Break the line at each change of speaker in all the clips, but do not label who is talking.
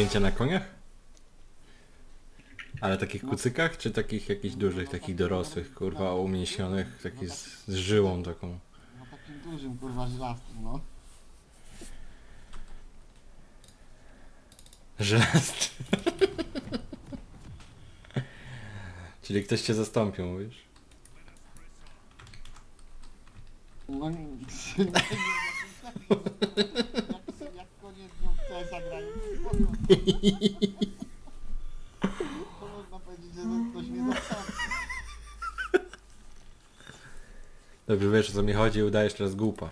zajęcia na koniach? Ale takich kucykach, czy takich jakichś dużych, takich dorosłych, kurwa, umięśnionych, takich z żyłą taką?
No takim dużym kurwa żelastym, no.
Żelazny. Czyli ktoś cię zastąpił, mówisz?
No nie, jak koniec dnią w CS-a grają, to można powiedzieć, że ktoś mnie zastąpi.
Dobrze wiesz, o co mi chodzi, udajesz teraz głupa.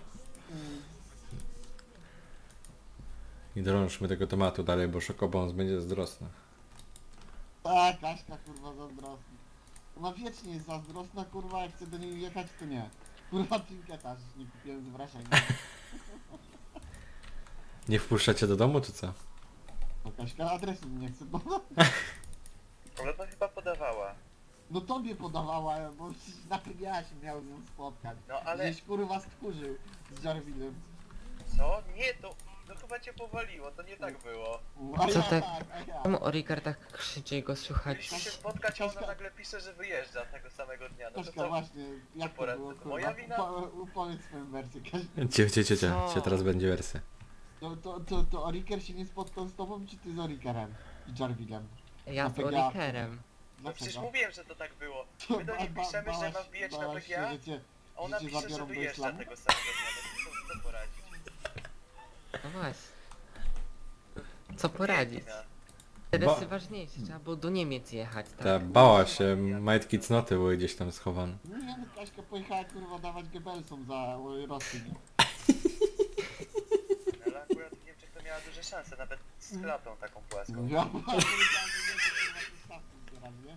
I drążmy tego tematu dalej, bo Szokobons będzie zazdrosna.
Tak, Kaśka kurwa zazdrosna. Ona wiecznie jest zazdrosna, kurwa, jak chce do niej jechać, to nie. Kurwa trinketa, że nie kupiłem z wrażenia.
Nie wpuszcza cię do domu, czy co?
To Kaśka adresu mi nie chce podać.
Ale to chyba podawała.
No tobie podawała, bo przecież nawet ja się miał z nią spotkać.
No ale...
Żeś kurwa skurzył z Jarvinem.
Co? Nie, to... No chyba cię powaliło, to nie tak było.
A
Co
ja
tak?
a ja.
Czemu Orikar tak krzyczy i go słychać?
Mieliśmy się spotkać, a ona nagle pisze, że wyjeżdża tego samego dnia. No to
Kaśka
co?
właśnie, jak to
poradzę?
było
To
kurwa?
moja wina?
Upowiedz swoją wersję, Kaśka.
Cię teraz będzie wersja.
To Oriker się nie spotkał z tobą, czy ty z Orikerem? I Jarvinem?
Ja z
PGA.
Orikerem.
No przecież
Dlaczego?
mówiłem, że to tak było. My do niej piszemy, że ma wbijać na
bałaś się,
PGA,
że cię-
a ona
że cię
pisze, że
zabiorą do
wyjeżdża
islamu?
tego samego dnia. No to co poradzić?
No właśnie. Co poradzić?
Biedna.
Interesy ważniejsze, trzeba było do Niemiec jechać, tak?
Ta bała się, majtki cnoty były gdzieś tam schowane.
Nie no, Kaśka pojechała kurwa dawać Goebbelsom za Rosję.
Ale akurat w Niemczech to miała duże szanse, nawet z klatą taką płaską.
Ja powiedziałem, że jedzie kurwa tu stawki zbieram, nie?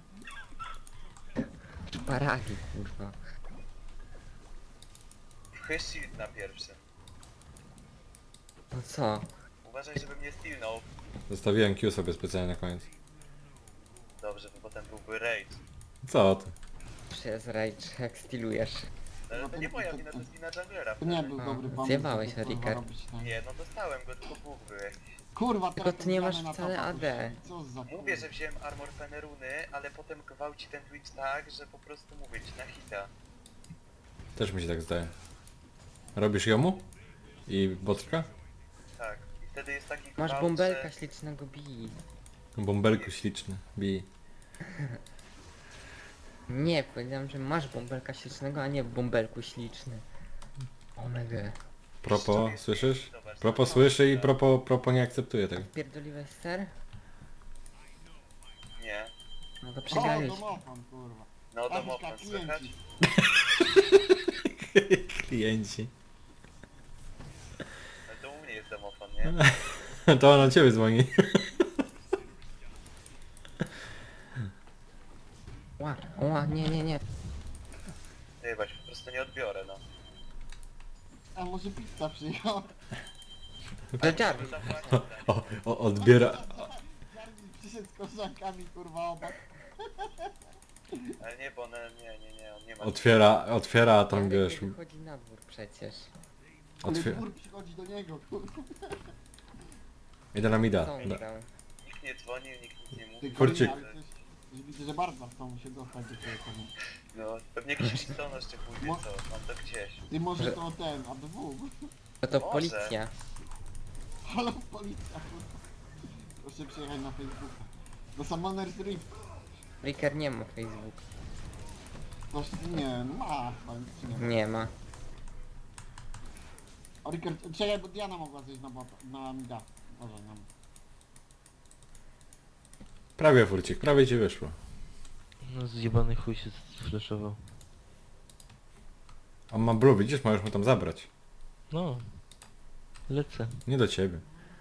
Paragi, kurwa.
Chyż shield na pierwszym.
No co?
Uważaj, żeby mnie stilnął.
Zostawiłem Q sobie specjalnie na koniec.
Dobrze, bo potem byłby rage.
Co ty?
Przez rage, jak stylujesz.
Ale to nie moja wina, to jest wina junglera.
To nie był
A,
dobry pomysł.
zjebałeś,
żeby, kurwa,
Riker.
robić tak.
Nie, no dostałem go, tylko Bóg był jakiś.
Kurwa,
Tylko
teraz
ty nie
gramy
masz
na
wcale
topa,
AD.
Co za
Mówię, że wziąłem armor Feneruny, ale potem gwałci ten Twitch tak, że po prostu mówię ci na hita.
Też mi się tak zdaje. Robisz jomu? I botrka?
Tak. I wtedy jest taki
Masz
gwałt,
bąbelka
że...
ślicznego bij.
Bąbelku śliczny. Bij.
Nie, powiedziałem, że masz bąbelka ślicznego, a nie bąbelku śliczny. Omega.
Propo, słyszysz?
Zobacz,
Propo słyszy i propo nie akceptuje tego.
Pierdoliłeś ser?
Nie.
No to
O,
przegraliśmy.
domofon, kurwa.
No
Kaśka,
domofon, słychać?
klienci.
Klienci.
No to u mnie jest domofon, nie?
To on od ciebie dzwoni.
Ła, nie.
Nie, właśnie, po prostu nie odbiorę, no.
A może pizza przyjechała?
To Jarvis.
Odbiera.
Jarvis przyszedł z koleżankami, kurwa, obok.
Ale nie, bo one, nie, on nie ma...
Otwiera, a tam wiesz.
Wychodzi na dwór przecież.
Ale
Otwiera.
dwór przychodzi do niego, kurwa.
Idę na mida.
Co on grał?
Nikt nie dzwonił, nikt nic nie
Ty,
mówił.
Kurczyk.
ale coś- Widzę, że bardzo chcą się dostać do tego komu.
No, pewnie jakiś przystonosz jeszcze pójdzie, co? Mam to gdzieś.
Ty może
Że-
to ten, ABW.
No to
Może.
policja.
Halo, policja, kurwa. Proszę przyjechać na Facebooka. Do Summoner's Rift.
Riker nie ma Facebook.
Coś, nie, ma, czy nie.
Nie ma.
O, Rickard, czekaj, bo Diana mogła zejść na bota, na mida. Boże, nam.
Prawie furcik, prawie ci wyszło.
No zjebany chuj się zflaszował.
On ma blue, widzisz, możesz mu tam zabrać.
No. Lecę.
Nie do ciebie.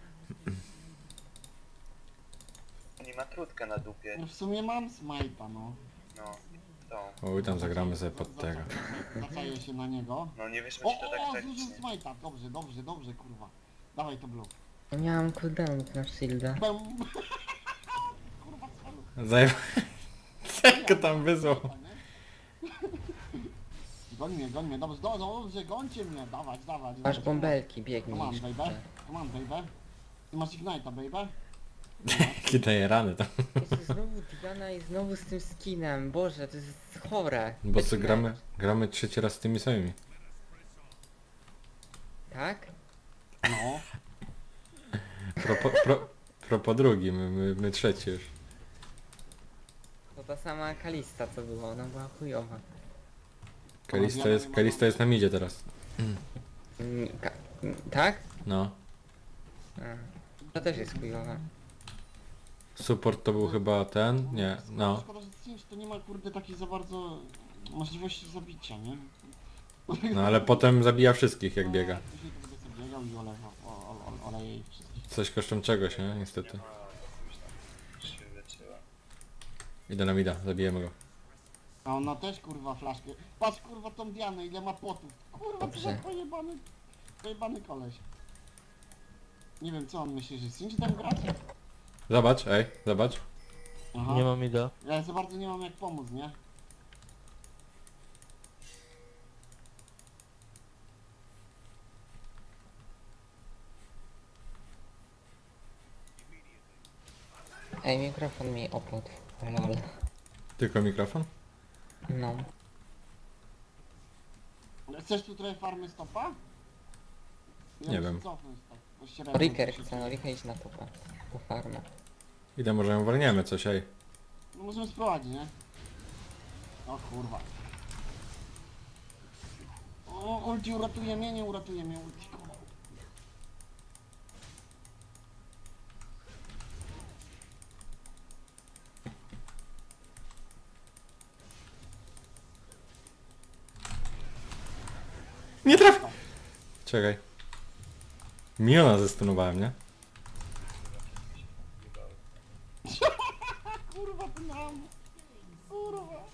Nie ma trutkę na dupie.
No w sumie mam smajta, no.
No, tą.
Oj, tam zagramy sobie pod tego.
Zaczaję się na niego.
No nie wiesz,
O,
ci to tak
zużył
tragicznie.
smajta. Dobrze, kurwa. Dawaj to blue.
Ja miałam cooldownów na shielda.
Bum. Kurwa, celu.
Zajm... Co tam wysłał?
Goń mnie, dobrze, gońcie mnie, dawać.
Masz bąbelki,
Come
biegnij.
on, baby. Ty masz Ignite'a, baby.
Jakie daje rany tam.
Jeszcze znowu Diana i znowu z tym skinem. Boże, to jest chore.
Bo co
Taki
gramy,
mecz.
gramy trzeci raz z tymi samymi.
Tak?
No.
Po drugi, my trzeci już.
To ta sama Kalista co była, ona była chujowa.
Kalista jest na midzie teraz.
Tak?
No.
A, to też jest chujowa.
Support to był chyba ten? Nie, no.
Szkoda, że Cinch to nie ma kurde takiej za bardzo możliwości zabicia, nie?
No ale potem zabija wszystkich jak biega.
Później to będzie sobie biegał i oleje ich wszystkich.
Coś kosztem czegoś, nie? Niestety.
Już się wyleczyła.
Idę na mida, zabijemy go.
A ona też kurwa flaszkę. Patrz kurwa tą Dianę, ile ma potów. Kurwa, to
Dobrze.
za pojebany koleś. Nie wiem co on myśli, że Cinch tam grać?
Zobacz, ej, zobacz.
Aha.
Nie mam ida.
Ja za bardzo nie mam jak pomóc, nie?
Ej, mikrofon mi opłot. Lol.
Tylko mikrofon?
No.
Chcesz tu trochę farmy stopa? Ja
Nie
muszę
wiem.
cofnąć tak, bo średnio
Riker
to się
chce, no
dzieje.
Riker idź na topa. Po farmę.
Idę, może ją walniemy coś, ej.
No możemy sprowadzić, nie? O kurwa. O, ulti uratuje mnie, nie uratuje mnie ulti.
Nie trafi! Czekaj. Miona zestunowałem, nie?
Kurwa, ty nam! Kurwa!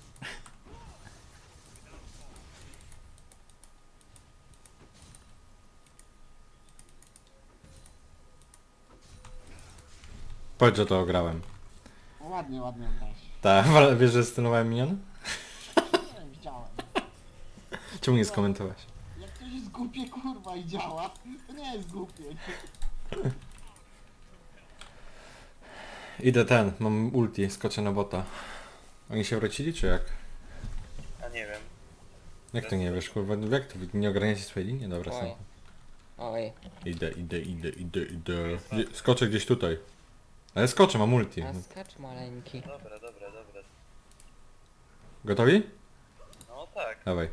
Powiedz, że to ograłem.
Ładnie, ładnie grałeś.
Tak, ale wiesz, że zestunowałem minion?
Nie wiem, widziałem.
Czemu nie skomentowałeś?
Jak coś jest głupie, kurwa, i działa, to nie jest głupie.
Idę ten, mam ulti, skoczę na bota. Oni się wrócili, czy jak?
A nie wiem.
Jak to nie wiesz, kurwa, jak to nie ogarniacie swojej linii? Dobra,
Oj.
są.
Oj.
Idę. Skoczę gdzieś tutaj. Ale skoczę, mam ulti.
A skacz maleńki.
Dobra.
Gotowi?
No tak.
Dawaj.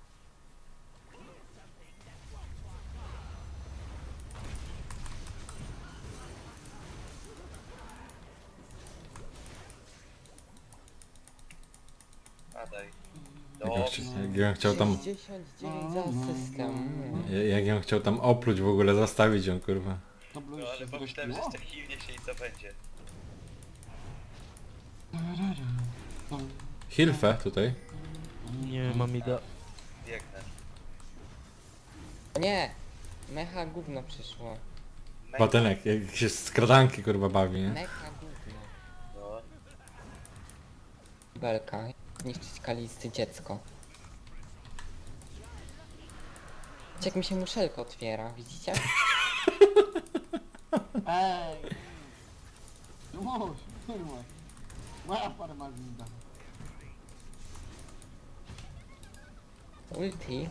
Padaj.
Jak ja chciał tam...
69 za system.
Jak ja chciał tam opluć w ogóle, zastawić ją, kurwa.
To było
No
już
ale
się
pomyślałem, że
zrespiło?
jeszcze chwilnie się i co będzie.
Hilfe tutaj.
Nie mam ida.
Biegnę.
O nie! Mecha gówno przyszło.
Batelek, jak się z kradanki, kurwa, bawi, nie?
Mecha gówno.
No.
Belka. Zniszczyć Kalisty dziecko. Widzicie, jak mi się muszelka otwiera, widzicie?
Ej! No mąż, kurwa. Moja farma zida.
Ulti.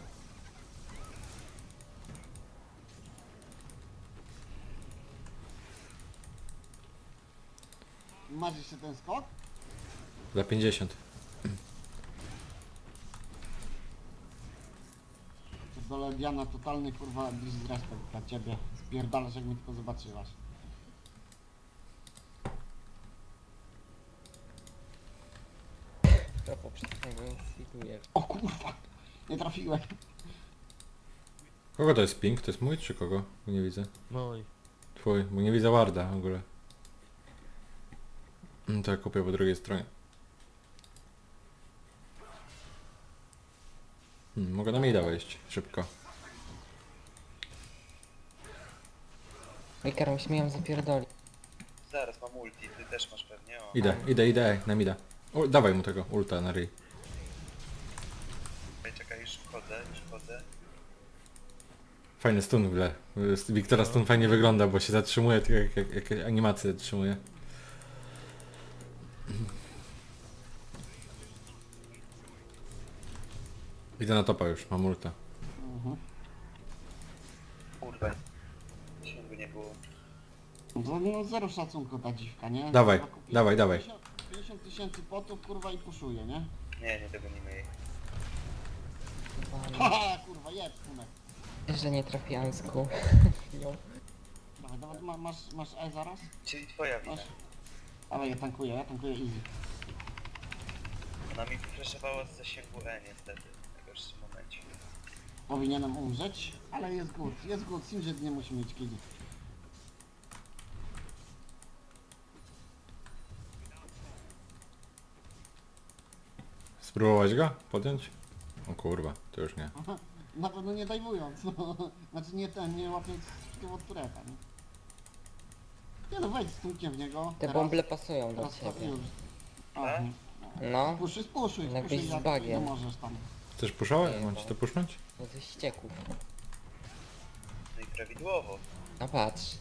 Masz jeszcze ten skok?
Za 50.
Dole Diana, totalny kurwa disrespekt dla ciebie. Spierdalasz jak mnie tylko zobaczyłaś.
To poprzedniego instiguje.
O kurwa! Nie trafiłem.
Kogo to jest ping? To jest mój czy kogo? Bo nie widzę.
Mój.
Twój, bo nie widzę Warda w ogóle. To ja kupię po drugiej stronie. Mogę na mida wejść, szybko.
Riker, musimy ją zapierdolić.
Zaraz mam ulti, ty też masz pewnie, o.
Idę, na mida. O, dawaj mu tego ulta na ryj.
Czekaj, już wchodzę.
Fajny stun w ogóle. Wiktora stun fajnie wygląda, bo się zatrzymuje, tak jak animację zatrzymuje. Idę na topa już, mam ulta.
Mhm.
Kurwa. Sięgu nie było.
No zero szacunku ta dziwka, nie?
Dawaj,
Kurwa, kupi
dawaj, dawaj.
50 tysięcy potów, kurwa, i puszuje, nie?
Nie dogonimy jej.
Haha, kurwa, jedź, kunek.
Że nie trafiłam z kół. No.
Dawaj, dawaj, masz E zaraz?
Czyli twoja wina.
Masz? Dawaj, ja tankuję easy.
Ona mi wyfreszowała z zasięgu E niestety. W najgorszym momencie.
Powinienem umrzeć, ale jest good, Singed nie musi mieć killi.
Spróbować go? Podjąć? O kurwa, to już nie.
Aha, na pewno nie dajwując, no. Znaczy nie łapiąc tego od tureta, nie? Nie no, wejdź z tunkiem w niego.
Te bąble pasują do
teraz to
ciebie.
już. O,
Tak?
No,
spuszuj,
Jakbyś z
jak
bagiem.
nie możesz tam.
Chcesz puszować?
Nie,
Mam
bo-
ci to pusznąć?
no ze ścieków.
No i prawidłowo.
No patrz.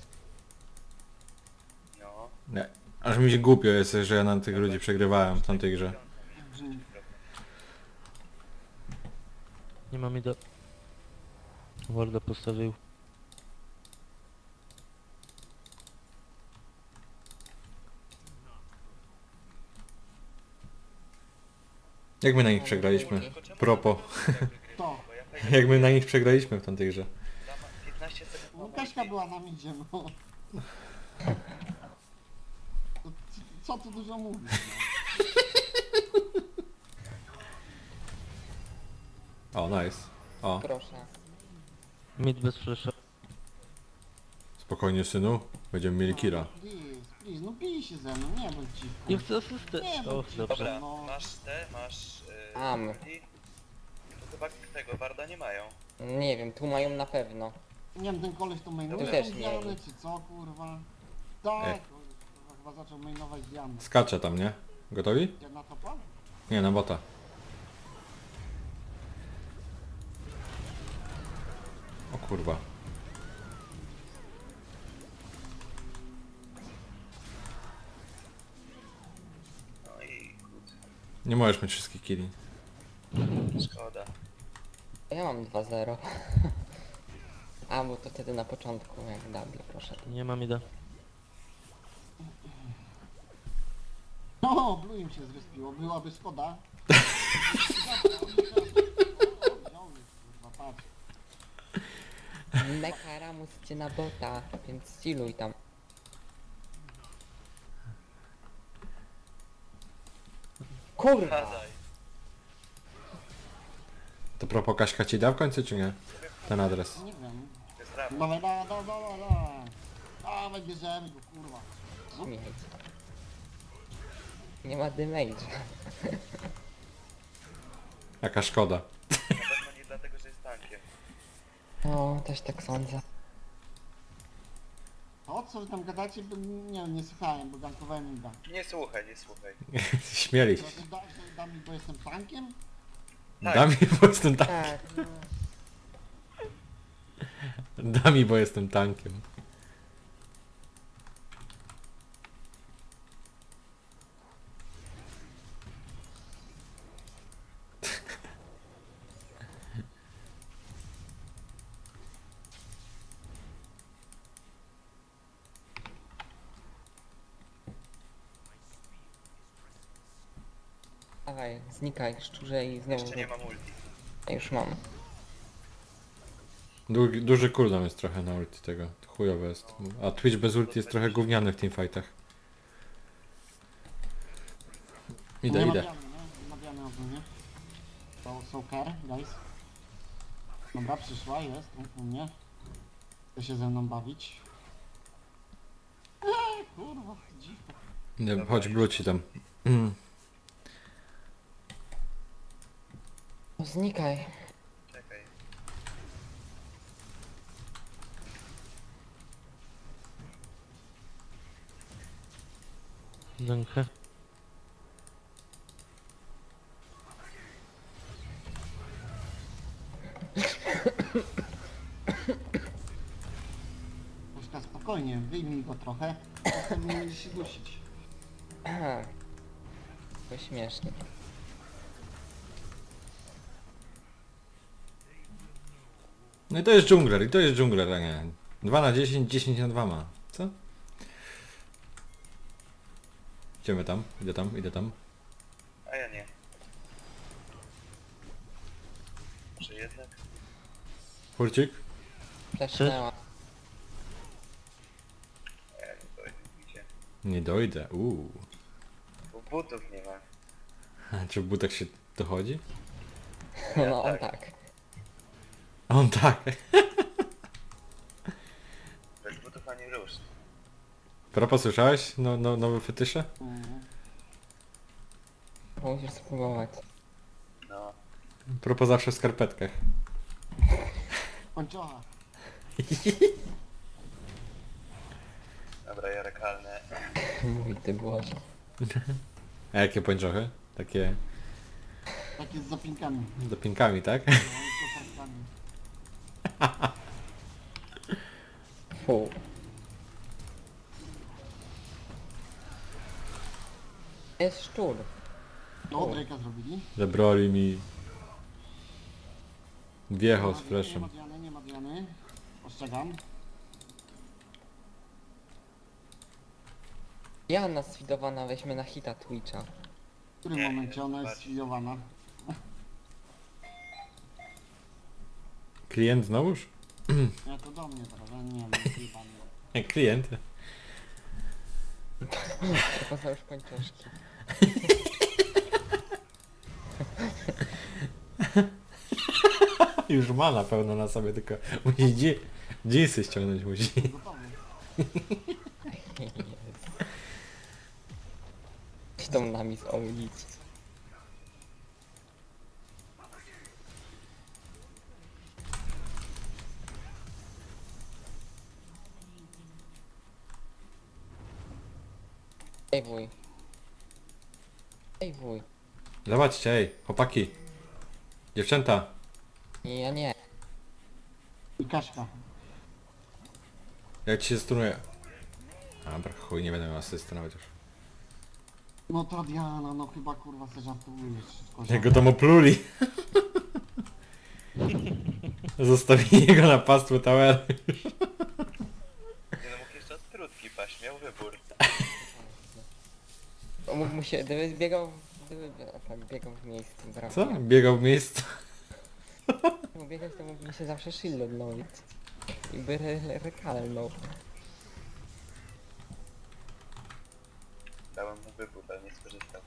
No.
Nie. Aż mi się głupio jest, że ja na tych ludzi przegrywałem w tamtej grze.
Nie ma mida. Warda postawił.
Jak my na nich przegraliśmy? Propo.
To.
Jak my na nich przegraliśmy w tamtej grze.
15 sekund.
No Kaśka była na midzie, no. To co tu dużo mówić, no.
O, nice. O,
Proszę.
Mid bez flasha.
spokojnie synu. Będziemy mieli killa.
Please, no bij się ze mną, nie bądź dziwką.
Ja chcę asystę.
Nie,
O,
bo-
dobrze.
Dobra,
No.
masz te, masz...
Am.
ulti. To chyba tego Warda nie mają.
Nie wiem, tu mają na pewno.
Nie wiem, ten koleś to mainuje
Tu też
tą
nie
Dianę,
wiem.
czy co, kurwa? Tak, kurwa, chyba zaczął mainować Dianę.
Skacze tam, nie? Gotowi?
Ja na topa?
Nie, na bota. O kurwa.
No i
Nie możesz mieć wszystkich killi.
szkoda.
Ja mam 2-0. A, bo to wtedy na początku, jak double poszedł.
Nie ma mida.
No, Blue im się zrespiło, byłaby szkoda. Wziął już, kurwa, patrz.
Nekaramus cię na bota, więc styluj tam. Kurwa!
Padaj.
To propos Kaśka ci da w końcu czy nie? Ten adres.
Nie wiem.
To jest rap.
Dawaj, dawaj, bierzemy go, kurwa.
Śmieć. Nie ma damage'a.
Jaka szkoda.
Na pewno nie dlatego, że jest tankiem.
No, też tak sądzę.
O co wy tam gadacie, bo nie słuchałem, bo gankowałem im da.
Nie słuchaj, nie słuchaj.
Śmieli się.
Da mi, bo jestem tankiem?
Tak.
Da mi, bo jestem tankiem.
Tak.
Da mi, bo jestem tankiem.
Dawaj, znikaj szczurze i znowu...
Jeszcze nie mam ulti.
Ja już mam.
Duży cooldown jest trochę na ulti tego. To chujowe jest. A Twitch bez ulti jest trochę gówniany w teamfightach. Idę,
nie
idę.
Ma Diany, nie? Nie ma Diany ogólnie. So care, guys. Dobra, przyszła, jest u mnie. Chce się ze mną bawić. Kurwa, dziwka.
Idę, chodź bluci tam. Mm.
No znikaj.
Czekaj.
Zękę.
Puszka, spokojnie, wyjmij go trochę. Potem będziesz się dusić.
To śmiesznie.
No i to jest dżungler, i to jest dżungler, a nie. 2 na 10, 10 na 2 ma. Co? Idziemy tam, idę tam, idę tam.
A ja nie. Może jednak?
Furcik?
Flesznęła.
A ja nie dojdę, widzicie.
Nie dojdę,
Bo butów nie ma.
A czy w butach się dochodzi?
No on tak.
A on tak.
Bez butów ani rusz.
Propos, słyszałeś? Nowe fetysze?
Mhm.
Musisz spróbować.
No.
Propos zawsze w skarpetkach.
Pończocha.
Dobra, ja rekalne.
Mój ty Boże.
A jakie pończochy? Takie
Takie z zapinkami.
z dopinkami, tak?
No, z koparkami.
Fu. Jest szczur.
No, Drake'a zrobili.
Zabrali mi wiecho z
Nie ma
fleszem.
Diany, nie ma Diany. Ostrzegam.
Jana sfidowana weźmie na hita Twitcha.
W którym
Nie,
momencie ona jest
patrz.
sfidowana?
Klient znowuż?
Ja to do mnie teraz, ja nie wiem, zjebany.
Nie, klient.
To poza już pończoszki.
Już ma na pełno na sobie, tylko musi dżinsy ściągnąć musi.
Gotowy.
Idą nami z ulicy. Ej wuj. Ej wuj.
Zobaczcie, ej, chłopaki. Dziewczęta.
Nie, ja nie.
I Kaśka.
Jak ci się stunuje? Dobra, chuj, nie będę miał asysty nawet już.
No ta Diana, no chyba kurwa se żartujesz. kozioł.
Jak go tam opluli. Zostawili go na pastwę tower.
Nie no, mógł jeszcze od trutki paść, miał wybór.
Mógł mu się, gdyby biegał, tak, biegał w miejscu, brawo.
Co? Biegał w miejscu.
Mógł biegać, to mógł mi się zawsze shield odnowić. I by rekalnął.
Dałem mu wybór, ale nie skorzystał.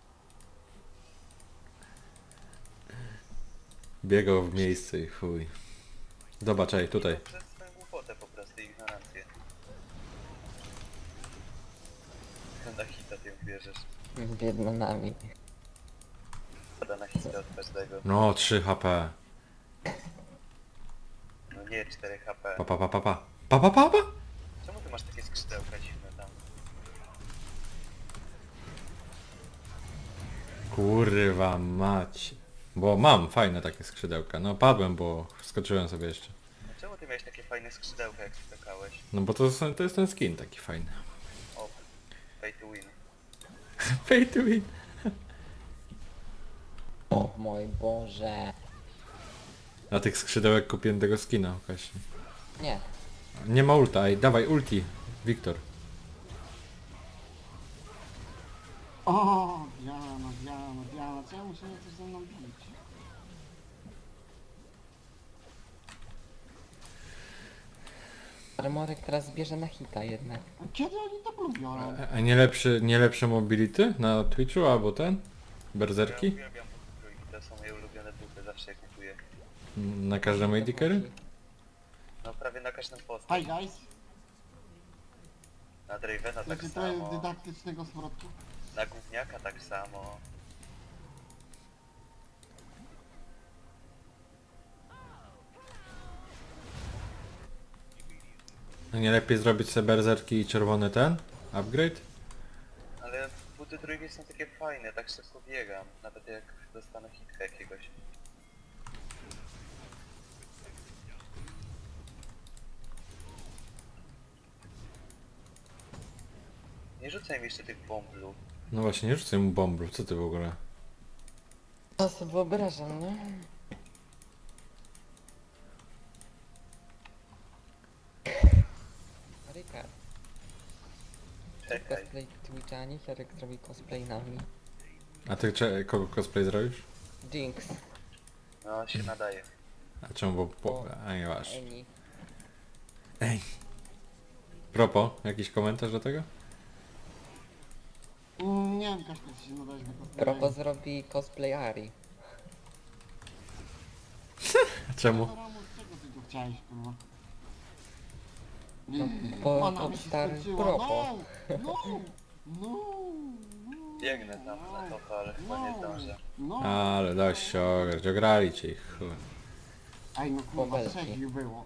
Biegał w miejscu i chuj. Zobacz, ej, tutaj.
Przez swoją głupotę po prostu, ignorancję. Na hita tym wierzysz.
Biedno nami.
Pada na hita od każdego.
No, 3 HP.
No nie, 4 HP.
Pa, pa, pa, pa, pa. Pa, pa, pa, pa.
Czemu ty masz takie skrzydełka dziwne tam?
Kurwa mać. Bo mam fajne takie skrzydełka. No padłem, bo wskoczyłem sobie jeszcze.
No czemu ty miałeś takie fajne skrzydełka jak skakałeś?
No bo to jest ten skin taki fajny.
O, pay to win.
Pay to win.
O mój Boże.
Na tych skrzydełek kupiłem tego skina właśnie.
Nie.
Nie ma ulta, ej, dawaj ulti. Wiktor.
O, Diana, Diana, Diana. Co ja muszę coś ze mną bić?
Armorek teraz bierze na hita jednak.
A kiedy oni to lubią?
A nie lepsze mobility na Twitchu albo ten? Berserki?
Ja uwielbiam buty trójki, to są moje ulubione buty, zawsze je kupuję.
Na każdym AD-carry?
No prawie na każdym postać.
Hi guys.
Na Dravena tak
Znaczy to jest
samo.
dydaktycznego smrodku.
Na gówniaka tak samo.
No nie lepiej zrobić sobie berserki i czerwony ten? Upgrade?
Ale buty trójki są takie fajne, tak szybko biegam. Nawet jak dostanę hitka jakiegoś. Nie rzucaj mi jeszcze tych bomblu.
No właśnie, nie rzucaj mu bombru, co ty w ogóle?
To sobie wyobrażam, nie? Rika,
Czekaj.
cosplay Twitchani, Jarek zrobi cosplay nami.
A ty kogo cosplay zrobisz?
Jinx,
No, się nadaje.
A czemu, a nie masz.
Eni.
Ej. Propos, jakiś komentarz do tego?
Nie wiem, Kaśka, czy się nadać na cosplay.
Propo zrobi cosplay Ari.
A czemu?
No, Ramus, czego ty tu chciałeś, kurwa?
No, bo
Ona mi się
stary
skończyła.
propo.
No! No!
Biegnę tam na topa, ale chyba nie zdążę.
No!
Ale dość się ograć, ograli cię ich chuj.
Ej, no kurwa,
Bobelki.
6 ich było.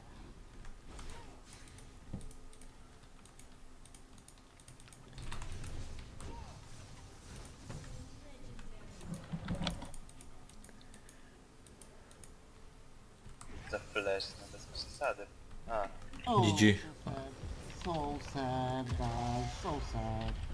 Za flash, no bez przesady. A,
Oh,
GG.
So sad, guys, so sad.